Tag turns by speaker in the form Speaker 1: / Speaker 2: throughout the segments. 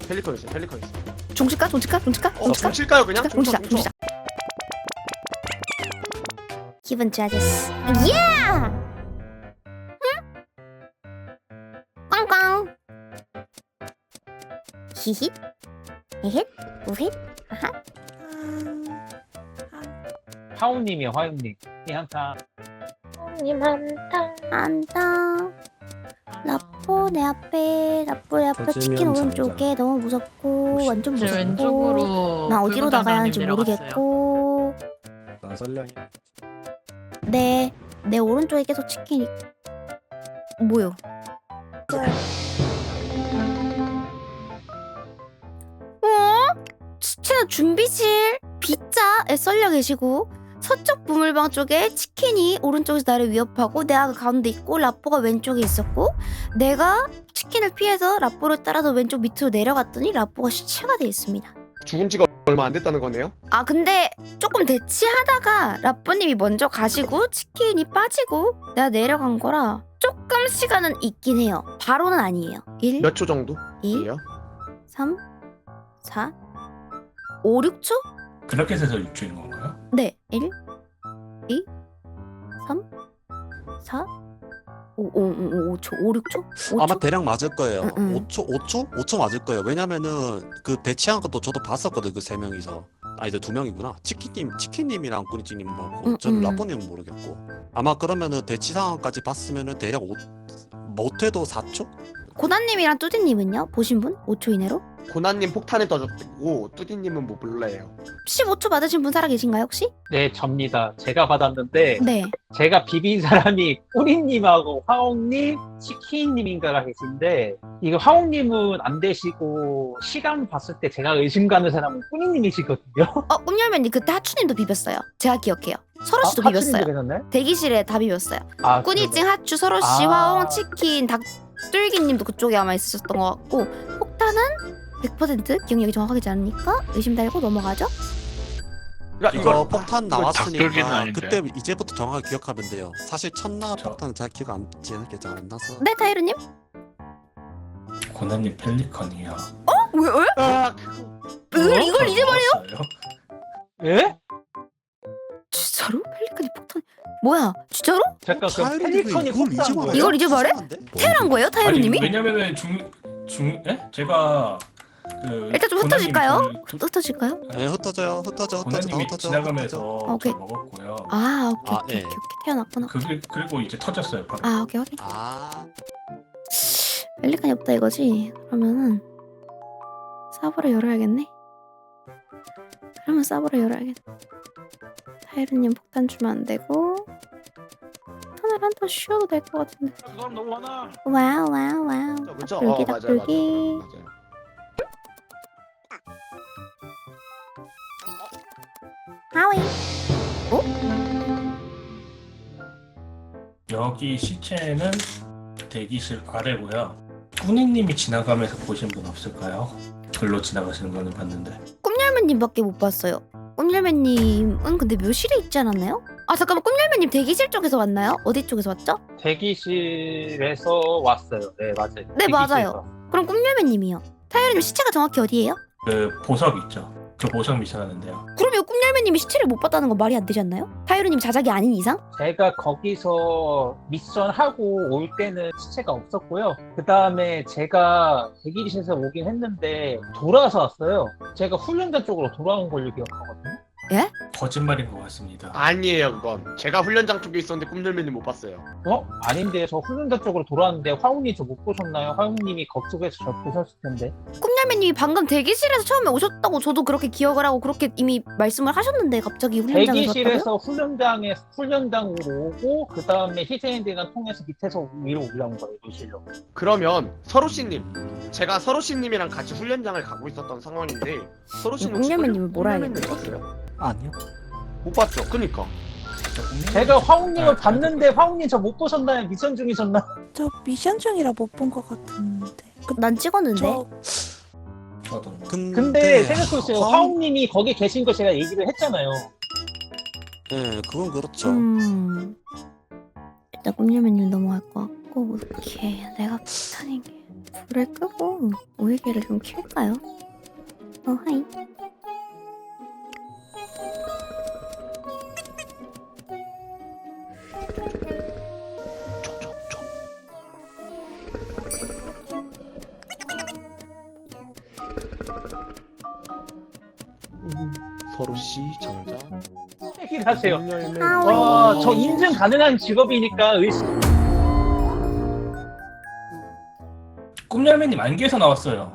Speaker 1: 펠리컨 있어.
Speaker 2: 종칠까?
Speaker 1: 좀 칠까요 그냥?
Speaker 2: 종치자. 기분 좋아졌어. 예! 꽝꽝. 히힛, 헤헷, 우헷, 하하.
Speaker 3: 하우님이 화용님 이 한타
Speaker 4: 님 한타.
Speaker 2: 안다. 라포 내 앞에 치킨 오른쪽에 너무 무섭고 완전
Speaker 5: 이제
Speaker 2: 무섭고
Speaker 5: 왼쪽으로
Speaker 2: 나 어디로 나가야 하는지
Speaker 5: 내려갔어요.
Speaker 2: 모르겠고
Speaker 6: 난 썰량이.
Speaker 2: 내 오른쪽에 계속 치킨이 뭐요? 시체는 준비실 B자에 썰려 계시고 서쪽 부물방 쪽에 치킨이 오른쪽에서 나를 위협하고 내가 그 가운데 있고 라포가 왼쪽에 있었고 내가 치킨을 피해서 라포를 따라서 왼쪽 밑으로 내려갔더니 라포가 시체가 돼 있습니다.
Speaker 1: 죽은 지가 얼마 안 됐다는 거네요?
Speaker 2: 아 근데 조금 대치하다가 라포님이 먼저 가시고 치킨이 빠지고 내가 내려간 거라 조금 시간은 있긴 해요. 바로는 아니에요. 1,
Speaker 1: 몇 초 정도?
Speaker 2: 2,
Speaker 1: 예요?
Speaker 2: 3, 4, 5, 6초?
Speaker 6: 그렇게 해서 6초인 건가요?
Speaker 2: 네. 1, 2, 3, 4, 5초, 5, 6초? 5초?
Speaker 7: 아마 대략 맞을 거예요.
Speaker 2: 응, 응.
Speaker 7: 5초 맞을 거예요. 왜냐면은 그 배치한 것도 저도 봤었거든. 그 세 명이서. 아니, 두 명이구나. 치킨님이랑 꾸니찌님 보고, 저는 라포님은 모르겠고. 아마 그러면은 대치 상황까지 봤으면은 대략 못해도 4초?
Speaker 2: 고난님이랑 뚜디님은요? 보신 분? 5초 이내로?
Speaker 1: 고난님 폭탄에 떠졌고 뚜디님은 뭐 몰라요.
Speaker 2: 15초 받으신 분 살아 계신가요 혹시?
Speaker 3: 네 접니다. 제가 받았는데
Speaker 2: 네.
Speaker 3: 제가 비빈 사람이 꾸니님하고 화홍님, 치킨님인가가 계신데 이거 화홍님은 안 되시고 시간 봤을 때 제가 의심 가는 사람은 꾸니님이시거든요.
Speaker 2: 꿈열매님 그때 하추님도 비볐어요. 제가 기억해요. 서로씨도 비볐어요.
Speaker 3: 되셨나요?
Speaker 2: 대기실에 다 비볐어요.
Speaker 3: 아,
Speaker 2: 꾸니찡, 하추, 서로씨,
Speaker 3: 아.
Speaker 2: 화홍, 치킨, 닭뚫기님도 그쪽에 아마 있으셨던 것 같고 폭탄은 100% 기억력이 정확하지 않으니까 의심 달고 넘어가죠?
Speaker 1: 야,
Speaker 7: 이거 폭탄
Speaker 8: 닭돌기는
Speaker 7: 나왔으니까
Speaker 8: 아닌데.
Speaker 7: 그때 이제부터 정확하게 기억하면 돼요. 사실 첫날
Speaker 6: 저-
Speaker 7: 폭탄은 잘 기억 안 나서.
Speaker 2: 네, 타이르님?
Speaker 6: 고난님 펠리컨이요.
Speaker 2: 왜?
Speaker 1: 아,
Speaker 2: 이걸 이제 말해요?
Speaker 3: 예?
Speaker 2: 진짜로? 펠리칸이 폭탄 뭐야? 진짜로?
Speaker 3: 잠깐 그
Speaker 7: 타이르님이
Speaker 3: 펠리컨이
Speaker 7: 이걸 이제
Speaker 3: 폭탄
Speaker 7: 말해요?
Speaker 2: 이걸 이제 말해?
Speaker 7: 이상한데?
Speaker 2: 태어난 거예요? 타이르님이?
Speaker 6: 왜냐면은 제가
Speaker 2: 일단 좀 흩어질까요?
Speaker 6: 고난님
Speaker 2: 흩어질까요?
Speaker 7: 네, 흩어져.
Speaker 6: 고난님이 지나가면서
Speaker 2: 오케이.
Speaker 6: 저 먹었고요.
Speaker 2: 아 오케이
Speaker 7: 아,
Speaker 2: 오케이
Speaker 7: 예.
Speaker 2: 오케이 태어났구나.
Speaker 6: 그리고 이제 터졌어요. 바로.
Speaker 2: 아 오케이 확인.
Speaker 7: 아,
Speaker 2: 펠리칸이 없다 이거지? 그러면은 사보를 열어야겠네. 그러면 사보를 열어야겠네. 타이르님 폭탄 주면 안 되고 폭탄을 한 번 쉬어도 될 것 같은데.
Speaker 8: 그 사람 너무 많아.
Speaker 2: 와우.
Speaker 1: 그죠?
Speaker 2: 닭불기,
Speaker 1: 맞아요.
Speaker 2: 닭불기. 하위.
Speaker 6: 여기 시체는 대기실 아래고요. 꾸니님이 지나가면서 보신 분 없을까요? 글로 지나가시는 거는 봤는데.
Speaker 2: 꿈열매님밖에 못 봤어요. 꿈열매님은 근데 묘실에 있지 않았나요? 아 잠깐만 꿈열매님 대기실 쪽에서 왔나요? 어디 쪽에서 왔죠?
Speaker 3: 대기실에서 왔어요. 네 맞아요.
Speaker 2: 네,
Speaker 3: 대기실에서
Speaker 2: 맞아요.
Speaker 3: 왔어요.
Speaker 2: 그럼 꿈열매님이요. 타이르님 시체가 정확히 어디예요?
Speaker 6: 그 보석 있죠. 저 보석 미션 하는데요.
Speaker 2: 그러면 꿈열매님이 시체를 못 봤다는 건 말이 안 되지 않나요? 타이르님 자작이 아닌 이상?
Speaker 3: 제가 거기서 미션 하고 올 때는 시체가 없었고요. 그 다음에 제가 대기실에서 오긴 했는데 돌아서 왔어요. 제가 훈련장 쪽으로 돌아온 걸로 기억하거든요.
Speaker 6: 거짓말인 것 같습니다.
Speaker 1: 아니에요 그건. 제가 훈련장 쪽에 있었는데 꿈들맨님 못 봤어요.
Speaker 3: 아닌데 저 훈련장 쪽으로 돌아왔는데 화웅님 저 못 보셨나요? 화웅님이 거쪽에서 저 보셨을 텐데.
Speaker 2: 꿈열매님이 방금 대기실에서 처음에 오셨다고 저도 그렇게 기억을 하고 그렇게 이미 말씀을 하셨는데 갑자기 훈련장에서 왔다고요?
Speaker 3: 대기실에서 훈련장으로 오고 그 다음에 희생인들과 통해서 밑에서 위로 올라온 거예요. 교실로.
Speaker 1: 그러면 서로씨님, 제가 서로씨님이랑 같이 훈련장을 가고 있었던 상황인데 서로씨는 혹시
Speaker 2: 꿈열매님을 뭐라
Speaker 1: 꿈열매님
Speaker 2: 해야겠지?
Speaker 1: 봤어요?
Speaker 7: 아니요.
Speaker 1: 못 봤죠. 그니까.
Speaker 3: 제가 화웅님을 봤는데 화웅님 저 못 보셨나요? 미션 중이셨나?
Speaker 9: 저 미션 중이라 못 본 것 같은데.
Speaker 2: 난 찍었는데.
Speaker 6: 저도.
Speaker 3: 근데 생각해보세요. 화웅님이 거기 계신 거 제가 얘기를 했잖아요.
Speaker 7: 네, 그건 그렇죠.
Speaker 2: 일단 꿈열매님 넘어갈 것 같고 오케이 내가 폭탄인 게 불을 끄고 오일개를 좀 킬까요? 하이.
Speaker 1: 서로 씨 정자.
Speaker 3: 얘기하세요.
Speaker 2: 아우.
Speaker 3: 와, 저 인증 가능한 직업이니까 의심.
Speaker 6: 꿈열매님 안개에서 나왔어요.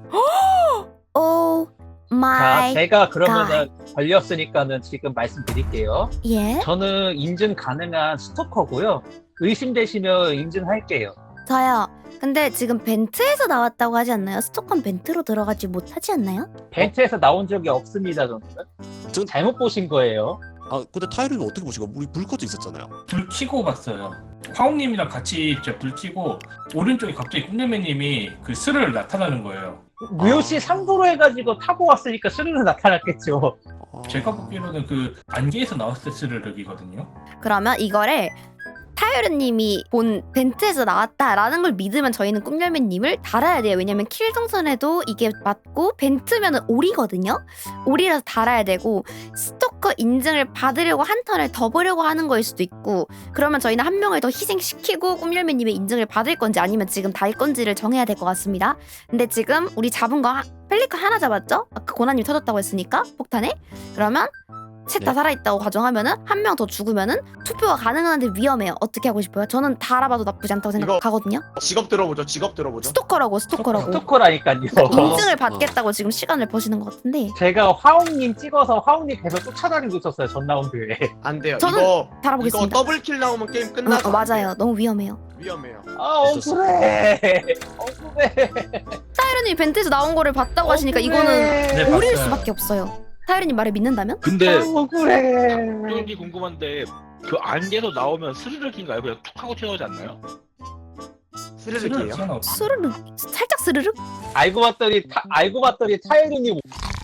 Speaker 2: 오
Speaker 3: 자,
Speaker 2: 마이
Speaker 3: 제가 그러면은 걸렸으니까는 지금 말씀드릴게요.
Speaker 2: 예.
Speaker 3: 저는 인증 가능한 스토커고요. 의심되시면 인증할게요.
Speaker 2: 저요. 근데 지금 벤트에서 나왔다고 하지 않나요? 스톡한 벤트로 들어가지 못하지 않나요?
Speaker 3: 벤트에서 나온 적이 없습니다, 저는.
Speaker 7: 전-
Speaker 3: 잘못 보신 거예요.
Speaker 7: 아 근데 타이르는 어떻게 보시고 우리 불 꺼져 있었잖아요.
Speaker 6: 불 켜고 봤어요. 화웅님이랑 같이 제가 불 켜고 오른쪽에 갑자기 꿈열매님이 그 스르르 나타나는 거예요.
Speaker 3: 무효시 상도로 해가지고 타고 왔으니까 스르르 나타났겠죠.
Speaker 6: 제가 보기로는 그 안개에서 나왔을 때 스르륵이거든요.
Speaker 2: 그러면 이거를 타이르님이 본 벤트에서 나왔다라는 걸 믿으면 저희는 꿈열매님을 달아야 돼요. 왜냐면 킬 동선에도 이게 맞고 벤트면은 오리거든요. 오리라서 달아야 되고 스토커 인증을 받으려고 한 턴을 더 보려고 하는 거일 수도 있고 그러면 저희는 한 명을 더 희생시키고 꿈열매님의 인증을 받을 건지 아니면 지금 달 건지를 정해야 될 것 같습니다. 근데 지금 우리 잡은 거 펠리컨 하나 잡았죠? 아까 고나님 터졌다고 했으니까 폭탄에 그러면 셋 다
Speaker 7: 네.
Speaker 2: 살아있다고 가정하면은 한 명 더 죽으면은 투표가 가능한데 위험해요. 어떻게 하고 싶어요? 저는 다 알아봐도 나쁘지 않다고 생각하거든요.
Speaker 1: 직업 들어보죠. 직업 들어보죠.
Speaker 2: 스토커라고.
Speaker 3: 스토커라니까요.
Speaker 2: 인증을 받겠다고 지금 시간을 버시는 것 같은데
Speaker 3: 제가 화웅님 찍어서 화웅님 계속 쫓아다니고 있었어요, 전 라운드에.
Speaker 1: 안 돼요.
Speaker 2: 저는
Speaker 1: 이거
Speaker 2: 달아보겠습니다.
Speaker 1: 더블킬 나오면 게임 끝나서 안
Speaker 2: 맞아요.
Speaker 1: 돼요.
Speaker 2: 너무 위험해요.
Speaker 1: 위험해요.
Speaker 3: 아, 억울해. 억울해.
Speaker 2: 타이르님 벤트에서 나온 거를 봤다고 하시니까 이거는
Speaker 6: 네,
Speaker 2: 오릴
Speaker 6: 봤어요.
Speaker 2: 수밖에 없어요. 타이르님 말을 믿는다면?
Speaker 5: 근데
Speaker 3: 억울해.
Speaker 5: 이 궁금한데 그 안개에서 나오면 스르륵인가요? 그냥 툭 하고 튀어나오지 않나요?
Speaker 6: 스르륵
Speaker 1: 스르륵이에요.
Speaker 6: 튀어나오죠.
Speaker 2: 스르륵 살짝 스르륵?
Speaker 3: 알고 봤더니 타이르님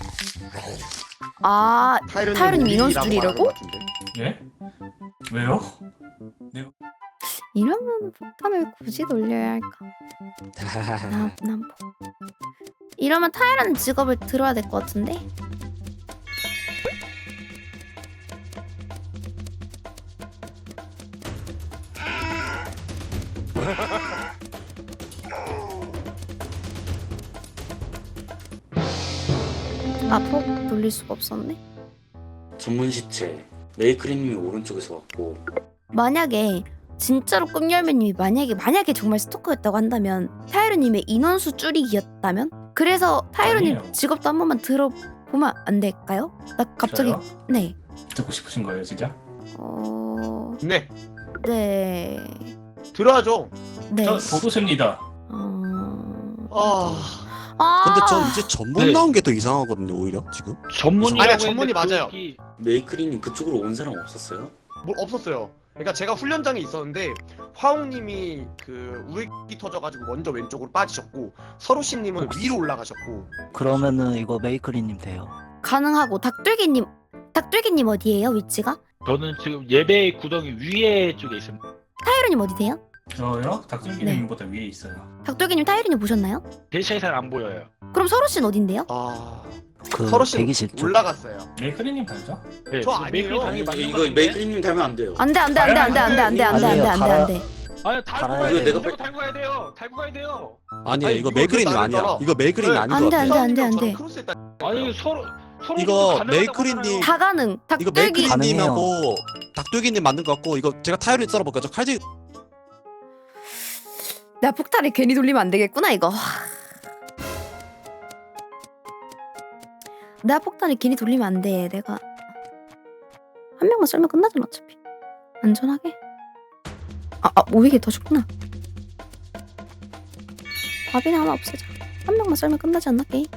Speaker 2: 아 타이르님 인원수 줄이려고?
Speaker 6: 예? 왜요?
Speaker 2: 이러면 폭탄을 굳이 돌려야 할까? 난 이러면 타이라는 직업을 들어야 될 것 같은데? 폭 돌릴 수가 없었네.
Speaker 8: 전문 시체 메이크리님이 오른쪽에서 왔고
Speaker 2: 만약에 진짜로 꿈열매님이 만약에 정말 스토커였다고 한다면 타이르님의 인원수 줄이기였다면 그래서 타이르님
Speaker 6: 아니에요.
Speaker 2: 직업도 한 번만 들어보면 안 될까요? 나 갑자기
Speaker 6: 저요?
Speaker 2: 네.
Speaker 6: 듣고 싶으신 거예요, 진짜?
Speaker 1: 네.
Speaker 2: 네.
Speaker 1: 들어야죠.
Speaker 2: 네.
Speaker 6: 저 보도셉니다.
Speaker 7: 근데 전 이제 전문
Speaker 5: 네.
Speaker 7: 나온 게 더 이상하거든요 오히려 지금.
Speaker 5: 전문이라고
Speaker 1: 아니야,
Speaker 5: 했는데
Speaker 1: 전문이 맞아요.
Speaker 5: 그게
Speaker 8: 메이크리님 그쪽으로 온 사람 없었어요?
Speaker 1: 뭐 없었어요. 그러니까 제가 훈련장에 있었는데 화웅님이 그 우익이 터져가지고 먼저 왼쪽으로 빠지셨고 서로씨님은 위로 올라가셨고.
Speaker 10: 그러면은 이거 메이크리님 돼요.
Speaker 2: 가능하고 닭들기님 어디예요 위치가?
Speaker 5: 저는 지금 예배 구덩이 위에 쪽에 있습니다.
Speaker 2: 타이르님 어디세요?
Speaker 6: 저요? 닭들기님보다 위에 있어요.
Speaker 2: 닭들기님 타이르님 보셨나요?
Speaker 5: 제 차이 잘 안 보여요.
Speaker 2: 그럼 서로씨는 어딘데요?
Speaker 10: 그
Speaker 1: 서로씨는
Speaker 10: 대기실 쪽.
Speaker 1: 올라갔어요.
Speaker 6: 메이크리님 달죠?
Speaker 5: 네,
Speaker 1: 저
Speaker 5: 지금
Speaker 1: 아니에요.
Speaker 5: 메이크리 당연히
Speaker 8: 아니,
Speaker 5: 맞는
Speaker 8: 이거
Speaker 5: 거
Speaker 8: 메이크리님 닮으면 안 돼요.
Speaker 2: 안돼.
Speaker 5: 아니요, 달고
Speaker 10: 갈아야
Speaker 5: 가야
Speaker 10: 돼요.
Speaker 5: 돼요.
Speaker 8: 내가
Speaker 5: 달고 가야 돼요. 달고 가야 돼요.
Speaker 7: 아니야
Speaker 1: 아니,
Speaker 7: 이거
Speaker 1: 이거
Speaker 7: 메이크린이
Speaker 1: 왜
Speaker 7: 아니야.
Speaker 1: 나를
Speaker 7: 이거 메이크린이
Speaker 1: 네.
Speaker 7: 아닌
Speaker 2: 안
Speaker 7: 것
Speaker 2: 돼,
Speaker 7: 같아.
Speaker 2: 안 돼.
Speaker 1: 저랑 크로스했다.
Speaker 5: 아니 서로
Speaker 7: 이거
Speaker 5: 가능하다고
Speaker 7: 메이크리님
Speaker 5: 하잖아요.
Speaker 2: 다 가능.
Speaker 7: 이거
Speaker 2: 닭들기
Speaker 7: 메이크린님하고 닭들기님 맞는 것 같고 이거 제가 타이르 썰어볼게요. 저 칼질
Speaker 2: 내가 폭탄을 괜히 돌리면 안 되겠구나 이거. 내가 폭탄을 괜히 돌리면 안 돼. 내가 한 명만 썰면 끝나잖아 어차피. 안전하게. 오이게 더 죽구나. 밥이나 하나 없애자. 한 명만 썰면 끝나지 않나 게임?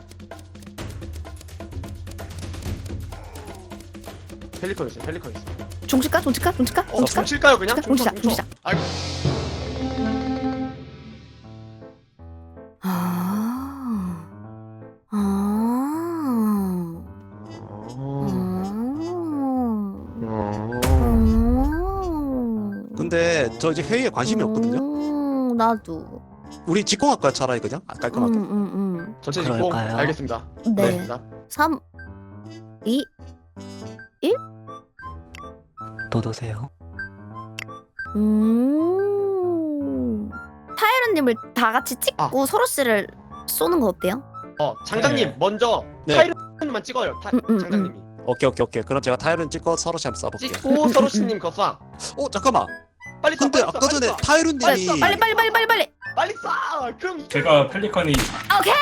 Speaker 1: 펠리컨 있어요. 펠리컨 있어요.
Speaker 2: 종칠까?
Speaker 1: 칠까요 그냥?
Speaker 2: 종치자.
Speaker 1: 아이고.
Speaker 7: 근데 저 이제 회의에 관심이 없거든요.
Speaker 2: 나도.
Speaker 7: 우리 직공할까요 차라리 그냥? 깔끔하게.
Speaker 1: 전체 직공
Speaker 10: 그럴까요?
Speaker 1: 알겠습니다.
Speaker 2: 네.
Speaker 1: 알겠습니다.
Speaker 2: 3, 2,
Speaker 10: 도도새요.
Speaker 2: 타이런님을 다 같이 찍고 서로씨를 쏘는 거 어때요?
Speaker 1: 장장님
Speaker 6: 네.
Speaker 1: 먼저
Speaker 7: 네.
Speaker 1: 타이런님만 찍어요. 장장님이
Speaker 7: 오케이. 그럼 제가 타이른 찍고 서로시 한번 쏴볼게요.
Speaker 1: 찍고 서로씨님 거 쏴.
Speaker 7: 잠깐만.
Speaker 1: 빨리 쏴.
Speaker 7: 근데
Speaker 1: 빨리 쏴,
Speaker 7: 아까
Speaker 1: 빨리
Speaker 7: 전에
Speaker 1: 쏴.
Speaker 7: 타이른님이
Speaker 2: 빨리.
Speaker 1: 빨리 쏴. 그럼
Speaker 6: 제가 펠리컨이
Speaker 2: 오케이.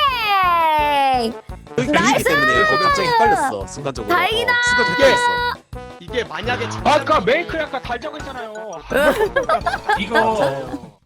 Speaker 7: 여기 밀리기
Speaker 2: 나이스!
Speaker 7: 때문에 갑자기 헷갈렸어 순간적으로.
Speaker 2: 다행이다!
Speaker 7: 순간 헷갈렸어.
Speaker 1: 이게 만약에
Speaker 5: 아까 메이크를 아까 달자고 했잖아요.
Speaker 6: 이거